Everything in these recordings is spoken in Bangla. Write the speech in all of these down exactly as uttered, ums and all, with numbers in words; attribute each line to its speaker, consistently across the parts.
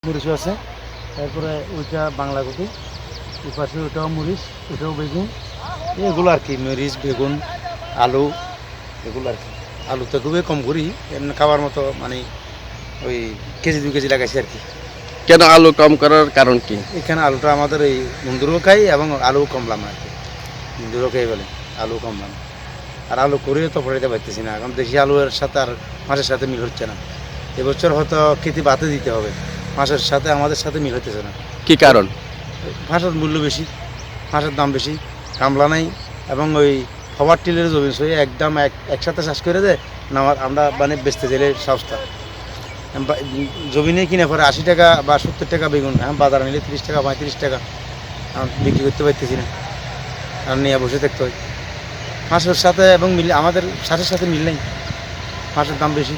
Speaker 1: মরিচও আছে, তারপরে ওইটা বাংলা কপি, ওই পাশে ওইটাও মরিচ, ওইটাও বেগুন, এগুলো আর কি। মরিচ, বেগুন, আলু, এগুলো আর কি। আলুটা খুবই কম করি, এমনি খাওয়ার মতো, মানে ওই কেজি দু কেজি লাগাইছি আর কি।
Speaker 2: কেন আলু কম করার কারণ কি?
Speaker 1: এখানে আলুটা আমাদের এই বন্ধুরও খাই এবং আলু কমলাম আর কি। বন্ধুরও খাই বলে আলু কমলাম। আর আলু করেও তো পড়াইতে পারতেছি না, এখন দেশি আলুর সাথে আর মাছের সাথে মিল হচ্ছে না। এবছর হয়তো খেতে বাতে দিতে হবে, মাছের সাথে আমাদের সাথে মিল হতেছে না।
Speaker 2: কি কারণ?
Speaker 1: মাছের মূল্য বেশি, মাছের দাম বেশি, কামলা নাই, এবং ওই খাবার টিলের জমি সই একদম এক একসাথে চাষ করে দেয় না। আমরা মানে বেচতে চাইলে সস্তা, জমি নিয়ে কিনে পরে আশি টাকা বা সত্তর টাকা বেগুন, এখন বাজারে নিলে তিরিশ টাকা পঁয়ত্রিশ টাকা, বিক্রি করতে পারতেছি না, আর নিয়ে বসে থাকতে হয়। মাছের সাথে এবং মিল আমাদের সাথে সাথে মিল নেই, মাছের দাম বেশি।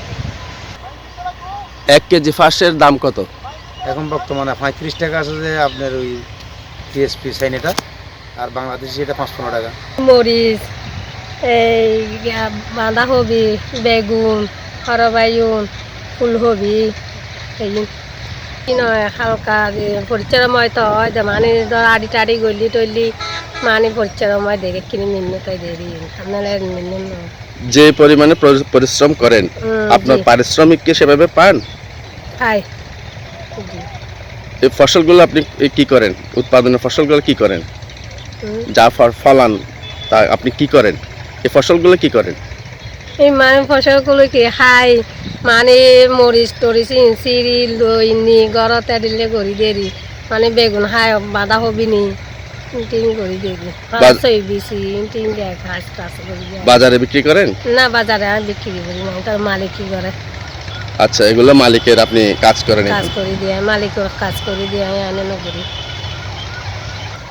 Speaker 2: এক কেজি ফাঁসের দাম কত?
Speaker 1: এখন বর্তমানে পঁয়ত্রিশ টাকা আছে যে আপনার ওই টিএসপি সাইনেটা, আর বাংলাদেশি এটা পাঁচ পনেরো টাকা।
Speaker 3: মরিচ, এই বাঁধাকপি, বেগুন, সরবায়ুন, ফুলকপি, এই কি নয় হালকা পরিচয়ময় তো হয় যে মানে ধর আড়ি টাড়ি গলি টলি মানে পরিচয়ময় দেখে কিনে নিম্ন তাই দেরি আপনার নিম্ন।
Speaker 2: যে পরিমাণে পরি- পরিশ্রম করেন, আপনার পারিশ্রমিক কি সেভাবে পান?
Speaker 3: খাই
Speaker 2: এই ফসলগুলো আপনি কি করেন? উৎপাদনের ফসলগুলো কি করেন? যা ফ- ফলান তা আপনি কি করেন? এই ফসলগুলো কি করেন?
Speaker 3: এই মানে ফসলগুলো কি খাই, মানে মরিচ টরিচ চিৰি লৈ নি ঘৰতে দিলে কৰি দেৰি, মানে বেগুন খাই বাঁধাকপি নি তিন করে দেরি পাঁচশো বেশি তিন দেয় ঘাস টাস করে দেয়।
Speaker 2: বাজারে বিক্রি করেন?
Speaker 3: না বাজারে আর বিক্রি করি না, তার মালিক কি করে।
Speaker 2: আচ্ছা, এগুলো মালিকের আপনি কাজ করেন?
Speaker 3: কাজ করে দিয়ে মালিক কাজ করে দিয়ে আমি আনে না করি।